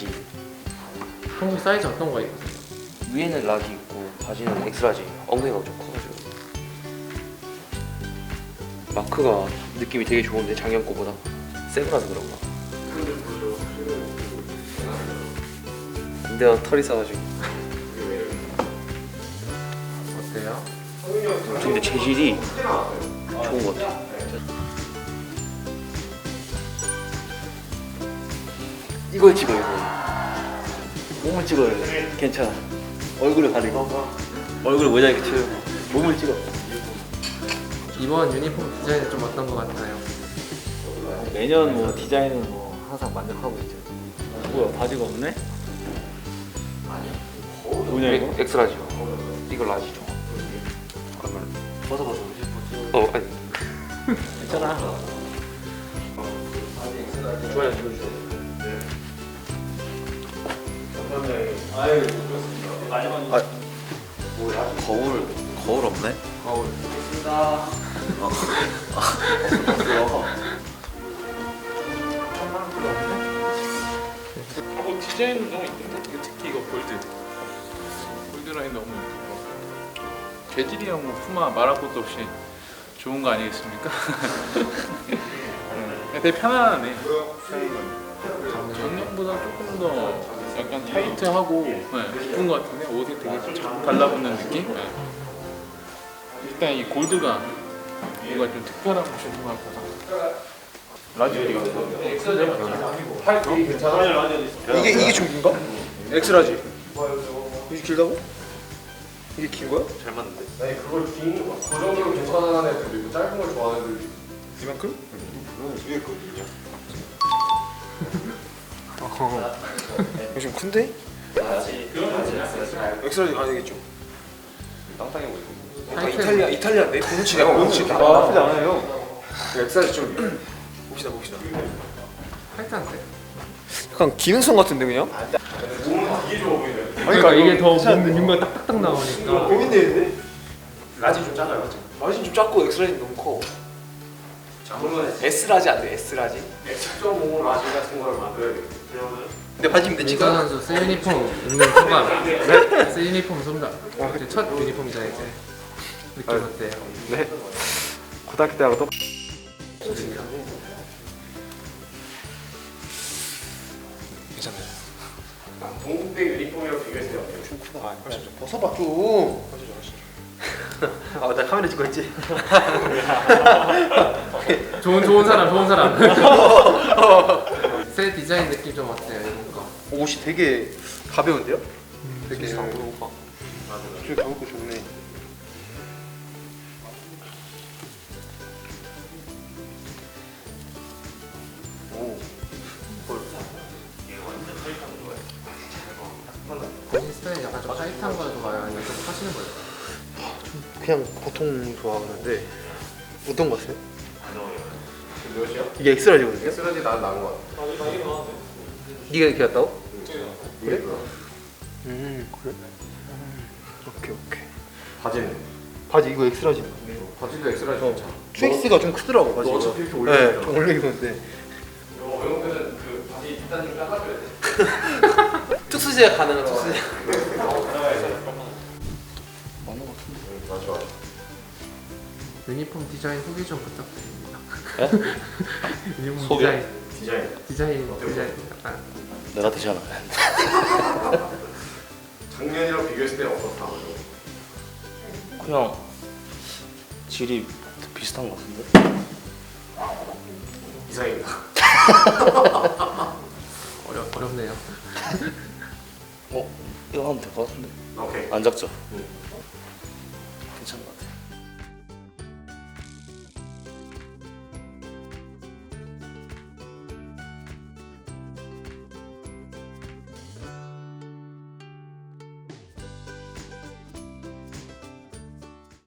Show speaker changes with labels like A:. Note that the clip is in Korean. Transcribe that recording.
A: 라지.
B: 평소 사이즈 어떤 거 입으세요?
A: 위에는 라지 있고 바지는 엑스라지. 엉덩이가 좀 커가지고. 마크가 느낌이 되게 좋은데 작년 거보다 새 거라서 그런가. 내가 털이 싸가지고.
B: 어때요?
A: 근데 재질이 좋은 것 같아. 이걸 찍어 이거. 몸을 찍어야 돼. 괜찮아. 얼굴을 가리고. 얼굴 모자이크 치우고 몸을 찍어.
B: 이번 유니폼 디자인은 좀 어떤 거 같나요?
C: 매년 뭐 디자인은 뭐 항상 만족하고 있죠. 뭐야 바지가 없네? 뭐냐 이거?
A: 엑스라지요. 이거 라지죠. 그러면
C: 벗어봐서
A: 아니.
C: 괜찮아.
A: 좋아요.
C: 거울 없네?
B: 거울.
D: 디자인은 너무 이쁜데? 특히 이거 골드 라인 너무 이쁘고 재질이랑 뭐 푸마 말할 것도 없이 좋은 거 아니겠습니까? 되게 편안하네. 작년보다 조금 더 약간 타이트하고 이쁜 것 같은데 옷이 되게 쫙 달라붙는 느낌? 네. 일단 이 골드가 뭔가 좀 특별한 옷인 것 같아서 라지 어디 갔어?
E: 이게 중인가? 엑스라지. 이게 길다고? 이게 긴 거야?
A: 잘 맞는데.
F: 아니 그걸 긴 거. 그 정도로 괜찮아하는 애들도 있고 짧은 걸 좋아하는 애들도 있고.
E: 이만큼?
F: 위에 거든요.
E: 이거 좀 큰데? 엑스라지 아니겠죠?
F: 땅땅해 보이고.
E: 이탈리아인데? 보누치네. 보누치.
C: 나쁘지 않아요.
E: 엑스라지 좀 봅시다.
B: 타이트한데?
E: 약간 기능성 같은데 그냥?
F: 몸은 되게 좋아 보이네.
B: 그러니까 이게 더 뭔가 딱딱딱 나오니까.
E: 고민되는데?
F: 라지 좀 작아요.
E: 라지 좀 작고 엑스라지 너무 커.
F: 그러면
E: S라지 안 돼? S라지?
F: X.5 라지 같은 걸 만들어야겠네.
E: 근데 바지면 돼
B: 민서
E: 지금?
B: 선수 새 유니폼 입는 소감. 새 유니폼 소감. 이제 첫 유니폼이잖아 이제. 느낌 어때요?
C: 네. 고등학교 때하고 똑.
E: 괜찮아요.
F: 동국대 유니폼이랑 비교했을 때 어때요?
E: 좀 크다. 좀 벗어봐 좀.
A: 나 카메라 찍고 있지.
B: 좋은 사람. 새 디자인 느낌 좀 어때요 이런 거?
E: 옷이 되게 가벼운데요? 되게 좀 가볍고 좋네. 오.
B: 본인 스타일이 약간 좀 타이트한 걸 좋아해요? 아니면 좀 하시는 거예요?
E: 그냥 보통 좋아하는데 어떤 거 같아요?
F: 몇이야?
E: 이게 엑스라지거든요?
F: X라지 난 나은 것 같아.
E: 네가 이렇게 왔다고?
F: 그래?
E: 그래? 오케이.
F: 바지는?
E: 바지 이거 엑스라지.
F: 바지도 X라지 괜찮아.
E: 2X가 좀 크더라고 바지.
F: 너 어차피 이렇게 올려.
E: 네, 좀 올려 입었는데.
F: 영웅들은 그 바지 뒷단 좀 깎아줘야 돼.
E: 특수제가 가능한 특수제.
F: 맞아.
B: 유니폼 디자인 후기 좀 부탁드립니다. 유니폼
A: 소개?
B: 디자인 약간
A: 내가 되잖아.
F: 작년이랑 비교했을 때 어떻다?
A: 그냥 질이 비슷한 것 같은데.
F: 이상입니다.
B: 어렵네요.
A: 이거 하면 될 것 같은데.
F: 오케이.
A: 안 작죠? 괜찮은 것 같아.